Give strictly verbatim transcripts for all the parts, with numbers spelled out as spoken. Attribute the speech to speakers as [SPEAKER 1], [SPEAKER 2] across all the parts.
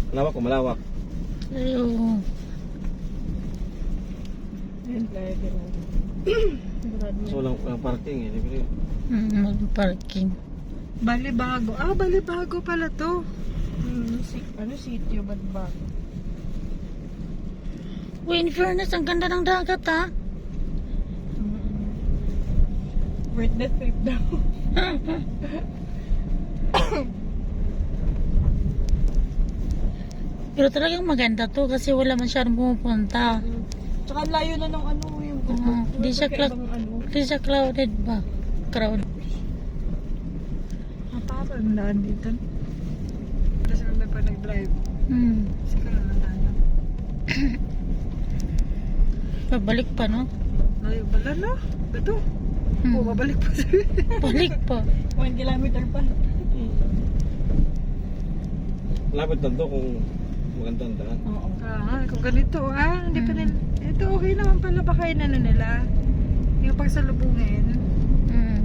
[SPEAKER 1] Malawak o malawak?
[SPEAKER 2] Ay, oo.
[SPEAKER 3] Ayan, playa din.
[SPEAKER 1] So walang, walang parking eh. Libre.
[SPEAKER 2] Mm, mag-parking.
[SPEAKER 3] Balibago. Ah, Balibago pala to. Hmm, si, ano sitio, Balibago?
[SPEAKER 2] Uy, in fairness, ang ganda ng dagat, ha?
[SPEAKER 3] Worth the trip daw.
[SPEAKER 2] Pero talagang maganda to kasi wala masyadong pumupunta.
[SPEAKER 3] Tsaka ang layo na ng ano yung
[SPEAKER 2] Uh, di siya cloud,
[SPEAKER 3] ano.
[SPEAKER 2] di siya crowded ba? Crowd.
[SPEAKER 3] Mapapal mo na dito. Kasi may pa nag-drive.
[SPEAKER 2] Hmm.
[SPEAKER 3] Siguro na tayo.
[SPEAKER 2] Pabalik pa, no?
[SPEAKER 3] Layo pala no? Ito.
[SPEAKER 2] Hmm.
[SPEAKER 3] Oo, babalik pa sa
[SPEAKER 2] Balik pa.
[SPEAKER 3] one kilometer pa.
[SPEAKER 1] Hmm. Lapit lang to kung maganda ang daan.
[SPEAKER 3] Oo. Ah, kung ganito ah, hindi pa
[SPEAKER 2] Hmm.
[SPEAKER 3] nila. Ito okay naman pala baka yun ano nila. Yung pagsalubungin.
[SPEAKER 2] Hmm.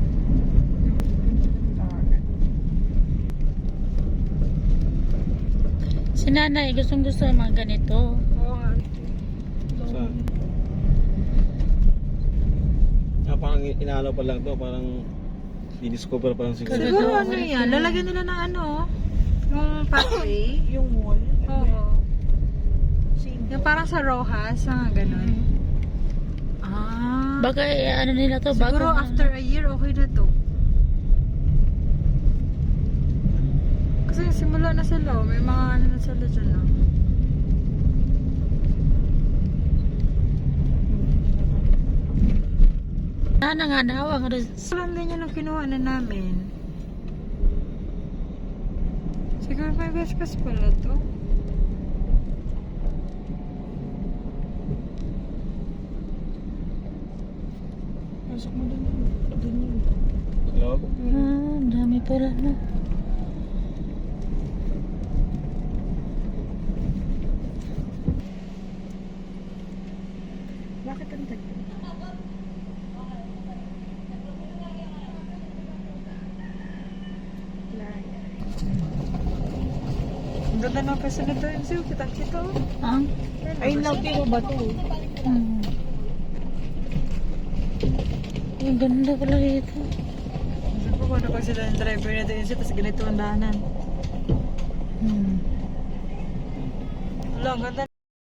[SPEAKER 2] Si nanay, gustong gusto ng mga ganito.
[SPEAKER 3] Oo nga.
[SPEAKER 1] Saan? Ah, parang inaalaw pa lang to. Parang di-discover pa lang siguro.
[SPEAKER 2] Kasi-
[SPEAKER 3] Siguro
[SPEAKER 2] Ganito,
[SPEAKER 3] ano
[SPEAKER 2] okay
[SPEAKER 3] yan,
[SPEAKER 2] sila.
[SPEAKER 3] lalagyan nila ng ano, yung pathway.
[SPEAKER 4] Yung wall.
[SPEAKER 3] Oo.
[SPEAKER 4] Same.
[SPEAKER 3] Yung parang sa Rojas, mga ganun. Ah.
[SPEAKER 2] Baka eh, ano nila to,
[SPEAKER 3] Siguro
[SPEAKER 2] bago
[SPEAKER 3] after a year, okay na to. Kasi simula na sila, oh. May mga ano na sila dyan, no?
[SPEAKER 2] na nga daw ang res-
[SPEAKER 3] Walang ganyan ang kinuha na namin. Siguro may Vespas pala to.
[SPEAKER 4] Pasok mo dun. Dun yun.
[SPEAKER 1] Hello?
[SPEAKER 2] Ah, ang dami pala, no?
[SPEAKER 4] Bakit ang tagal?
[SPEAKER 3] Ang ganda ng pesa nito yun, Siw. Kita-kita, oh.
[SPEAKER 2] Ah?
[SPEAKER 4] Ay, nautiro ba to?
[SPEAKER 2] Hmm. Ang ganda pala dito.
[SPEAKER 3] Sabi ko, ano pag sila ng driver na doon siya, tapos ganito ang daanan.
[SPEAKER 2] Hmm.
[SPEAKER 3] Wala, ang ganda.